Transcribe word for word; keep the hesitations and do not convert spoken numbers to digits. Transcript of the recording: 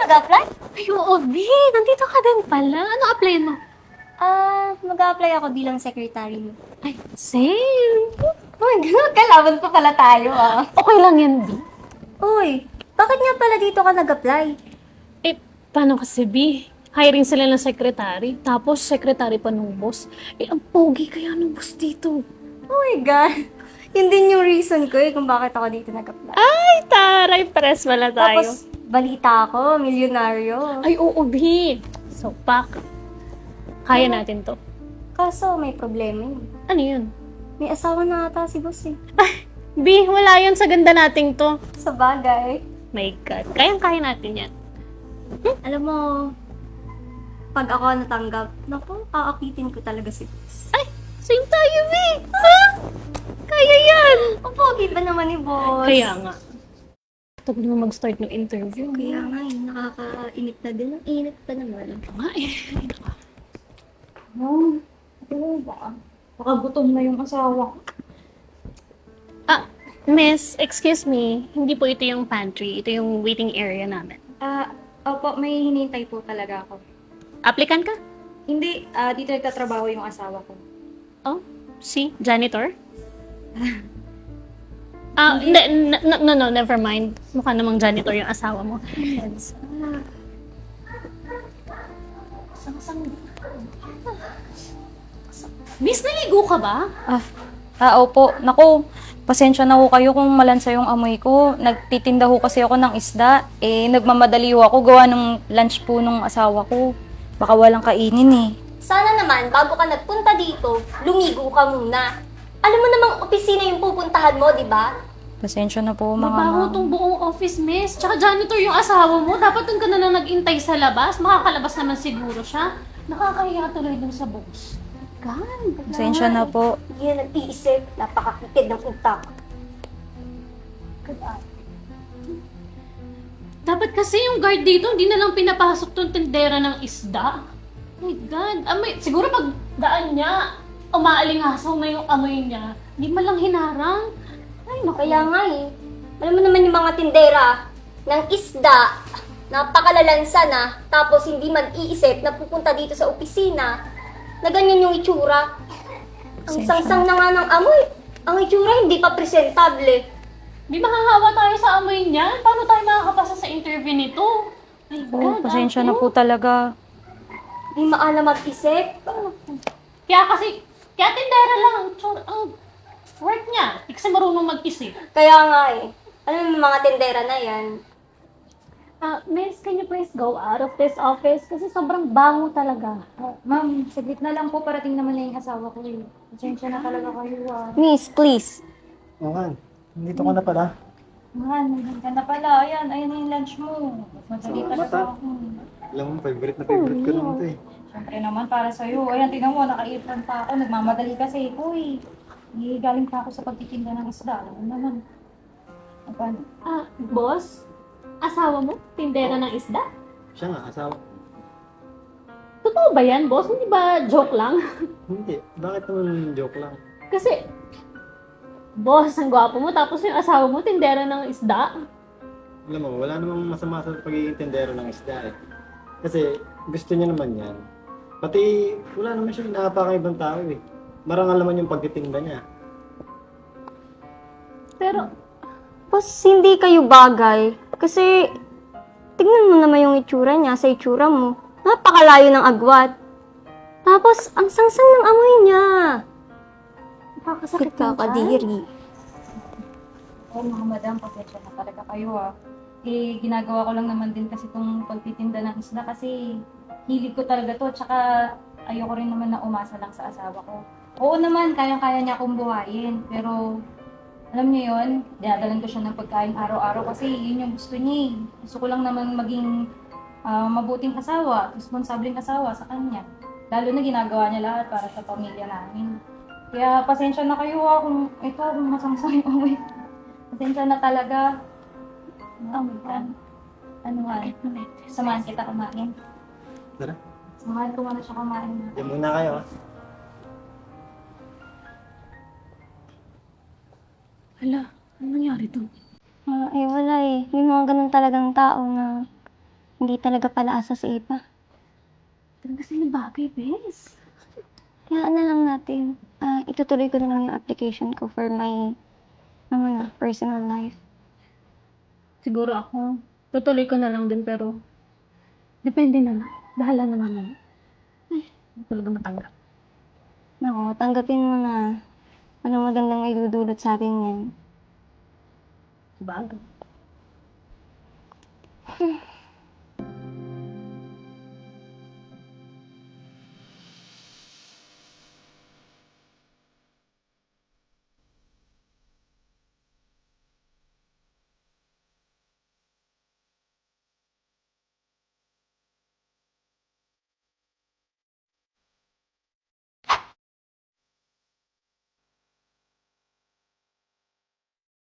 nag-apply? Ay, oo, B. Nandito ka din pala. Ano apply mo? Ah, mag-apply ako bilang secretary mo. Ay, same. Uy, gano'n, kalaban pa pala tayo ah. Okay lang yan, B. Uy, bakit nga pala dito ka nag-apply? Eh, paano kasi, B? Hiring sila ng secretary, tapos secretary pa ng boss. Eh, ang pogi kaya ng boss dito. Oh my God. Yun din yung reason ko eh kung bakit ako dito nag-apply. Ay, taray, press wala tayo. Tapos, balita ako, milyonaryo. Ay, oo, B. So, pak. Kaya natin to. Kaso, may problema yun. Ano yun? May asawa na ata si boss eh. B, wala yun sa ganda nating to. Sa bagay. My God, kayang-kaya natin yan. Alam mo, pag ako natanggap, naku, aakitin ko talaga si boss. Ay, same tayo, B. Ha? Kaya yan. Ang pogi ba naman ni boss? Kaya nga. Ito ko naman mag-start ng interview. Kaya nga eh, nakakainit na din. Ang init pa naman. Ito nga eh. No, ano ba? Baka gutom na yung asawa ko. Ah, miss, excuse me. Hindi po ito yung pantry. Ito yung waiting area namin. Ah, opo, may hinihintay po talaga ako. Applicant ka? Hindi, ah, dito nagtatrabaho yung asawa ko. Oh, si janitor? Ah, hindi, n- n- no, no, never mind. Mukha namang janitor yung asawa mo. Miss, naligo ka ba? Ah, ah, opo. Naku, pasensya na ho kayo kung malansa yung amoy ko. Nagtitinda ho kasi ako ng isda. Eh, nagmamadali ho ako gawa ng lunch po nung asawa ko. Baka walang kainin eh. Sana naman, bago ka nagpunta dito, lumigo ka muna. Alam mo namang opisina yung pupuntahan mo, di ba? Pasensya na po, mga Mabaho ma'am. tong buong office, miss. Tsaka janitor yung asawa mo. Dapat doon ka na lang nag-intay sa labas. Makakalabas naman siguro siya. Nakakahiya tuloy dun sa boss. God, Pasensya na po. Hindi na nag-iisip, napakakitid ng utak. Dapat kasi yung guard dito, hindi na lang pinapasok tong tindera ng isda. My God. Amoy, siguro pag daan niya, umaalingasaw na yung amoy niya. Hindi man lang hinarang. Ay, naku. Kaya nga eh, alam mo naman yung mga tindera ng isda, napakalalansa na, tapos hindi man iisip na pupunta dito sa opisina, na ganyan yung itsura. Ang Pasensya sangsang na nga ng amoy. Ang itsura hindi pa presentable. Di mahahawa tayo sa amoy niya. Paano tayo makakapasa sa interview nito? My Oh, God. pasensya ano? na po talaga. Hindi maalam mag-isip. Kaya kasi, kaya tindera lang. Tsura, ang work niya. Hindi kasi marunong mag-isip. Kaya nga eh, alam mo yung mga tindera na yan, Ah, miss, can you please go out of this office? Kasi sobrang bango talaga. Oh, ma'am, saglit na lang po. Parating naman na yung asawa ko eh. Pasensya na talaga kayo ah. Miss, please. Oo nga, nandito ka na pala. Man, nandiyan ka na pala. Ayan, ayan na yung lunch mo. Madali Salamat, talaga ah. ako. Alam mo, favorite na favorite ko naman ito eh. Siyempre naman para sa'yo. Ayan, tingnan mo, naka-apron pa ako. Nagmamadali kasi. Uy, eh, galing pa ako sa pagtitinda ng isda. Alam mo naman. Paano? Ah, boss? Asawa mo? Tindera ng isda? Siya nga, asawa. Totoo ba yan, boss? Hindi ba joke lang? Hindi, bakit naman joke lang? Kasi, boss, ang gwapo mo, tapos yung asawa mo, tindera ng isda. Alam mo, wala namang masama sa pagiging tendero ng isda eh. Kasi gusto niya naman yan. Pati wala naman siya inaapakang ibang tao eh. Marangal naman yung pagtitinda niya. Pero, Boss, hindi kayo bagay. Kasi, tingnan mo naman yung itsura niya sa itsura mo. Napakalayo ng agwat. Tapos, ang sangsang ng amoy niya. nakakasakit Sakit ka, kadiri. Oh, mga madam, pasensya na talaga kayo ah. Eh, ginagawa ko lang naman din kasi itong pagtitinda ng isda kasi hilig ko talaga to. Tsaka ayoko rin naman na umasa lang sa asawa ko. Oo naman, kayang-kaya niya akong buhayin. Pero, alam niyo yun, dinadalan ko siya ng pagkain araw-araw kasi yun yung gusto niya eh. Gusto ko lang naman maging ah, mabuting asawa, responsableng asawa sa kanya. Lalo na ginagawa niya lahat para sa pamilya namin. Kaya pasensya na kayo ah kung ito, kung masangsang yung amoy. Pasensya na talaga. Oh my God. Ano nga, samahan kita kumain. Tara, Samahan ko muna siya kumain. yan muna kayo ah. hala, ano nangyari to? Ah, eh, wala eh. May mga ganun talagang tao na hindi talaga pala asa sa iba. Talaga sila bagay, bes. Kaya ano lang natin, ah, itutuloy ko na lang yung application ko for my, ano na, personal life. Siguro ako, tutuloy ko na lang din pero depende na lang. Bahala na naman. Ay, hindi talaga matanggap. Nako, tanggapin mo na. Anong magandang may dudulot sa atin yan. Bagay.